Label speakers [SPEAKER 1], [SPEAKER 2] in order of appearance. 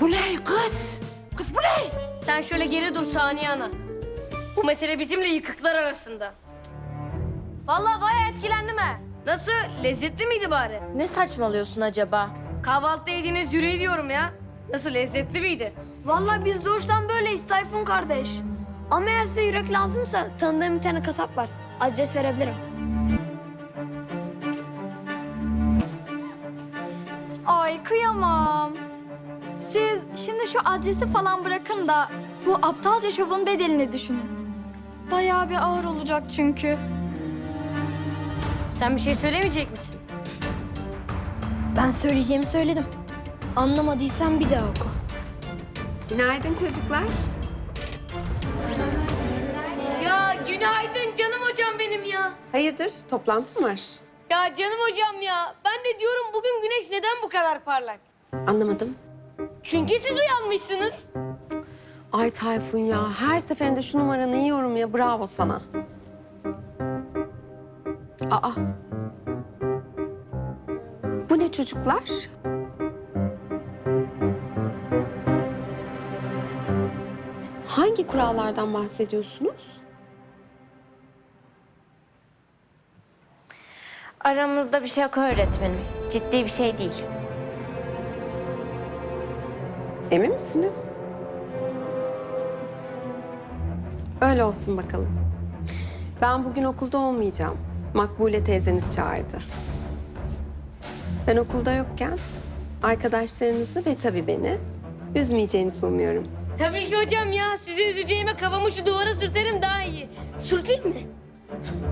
[SPEAKER 1] Bu ne kız? Kız bu ne?
[SPEAKER 2] Sen şöyle geri dur Saniye Ana. Bu mesele bizimle yıkıklar arasında. Vallahi bayağı etkilendim ha. Nasıl? Lezzetli miydi bari?
[SPEAKER 3] Ne saçmalıyorsun acaba?
[SPEAKER 2] Kahvaltıda yediğiniz yüreği diyorum ya. Nasıl, lezzetli miydi?
[SPEAKER 4] Vallahi biz doğuştan böyleyiz Tayfun kardeş. Ama eğer size yürek lazımsa tanıdığım bir tane kasap var. Adres verebilirim.
[SPEAKER 5] Ay kıyamam. Siz şimdi şu adresi falan bırakın da bu aptalca şovun bedelini düşünün. Bayağı bir ağır olacak çünkü.
[SPEAKER 2] Sen bir şey söylemeyecek misin?
[SPEAKER 4] Ben söyleyeceğimi söyledim. Anlamadıysan bir daha oku.
[SPEAKER 1] Günaydın çocuklar.
[SPEAKER 2] Ya günaydın canım hocam benim ya.
[SPEAKER 1] Hayırdır, toplantı mı var?
[SPEAKER 2] Ya canım hocam ya. Ben de diyorum bugün güneş neden bu kadar parlak?
[SPEAKER 1] Anlamadım.
[SPEAKER 2] Çünkü siz uyanmışsınız.
[SPEAKER 1] Ay Tayfun ya, her seferinde şu numaranı yiyorum ya, bravo sana. Aa. Bu ne çocuklar? Hangi kurallardan bahsediyorsunuz?
[SPEAKER 3] Aramızda bir şey yok öğretmenim. Ciddi bir şey değil.
[SPEAKER 1] Emin misiniz? Öyle olsun bakalım. Ben bugün okulda olmayacağım. Makbule teyzeniz çağırdı. Ben okulda yokken arkadaşlarınızı ve tabii beni üzmeyeceğinizi umuyorum.
[SPEAKER 2] Tabii ki hocam ya. Sizi üzeceğime kafamı şu duvara sürterim daha iyi. Sürteyim mi?